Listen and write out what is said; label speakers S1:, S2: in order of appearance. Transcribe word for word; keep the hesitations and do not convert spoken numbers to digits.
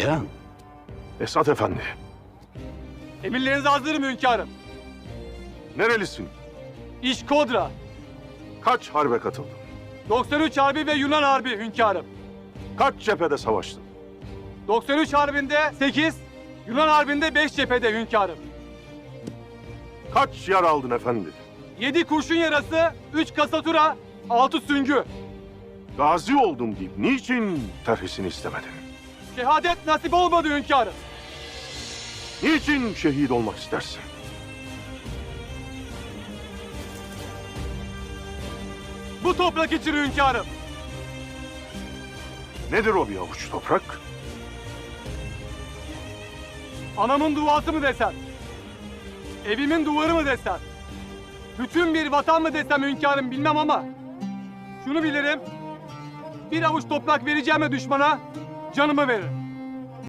S1: Beyhan.
S2: Esat Efendi,
S3: Emirlerinize hazırım hünkârım.
S2: nerelisin?
S3: İş Kodra.
S2: Kaç harbe katıldın?
S3: doksan üç Harbi ve Yunan Harbi hünkârım.
S2: Kaç cephede savaştın?
S3: doksan üç Harbi'nde sekiz, Yunan Harbi'nde beş cephede hünkârım.
S2: Kaç yar aldın efendi?
S3: yedi kurşun yarası, üç kasatura, altı süngü.
S2: Gazi oldum deyip niçin terhisini istemedin?
S3: Şehadet nasip olmadı hünkârım.
S2: Niçin şehit olmak istersin?
S3: Bu toprak için hünkârım.
S2: Nedir o bir avuç toprak?
S3: Anamın duası mı desem? Evimin duvarı mı desem? Bütün bir vatan mı desem hünkârım bilmem ama şunu bilirim. Bir avuç toprak vereceğime düşmana canımı veririm.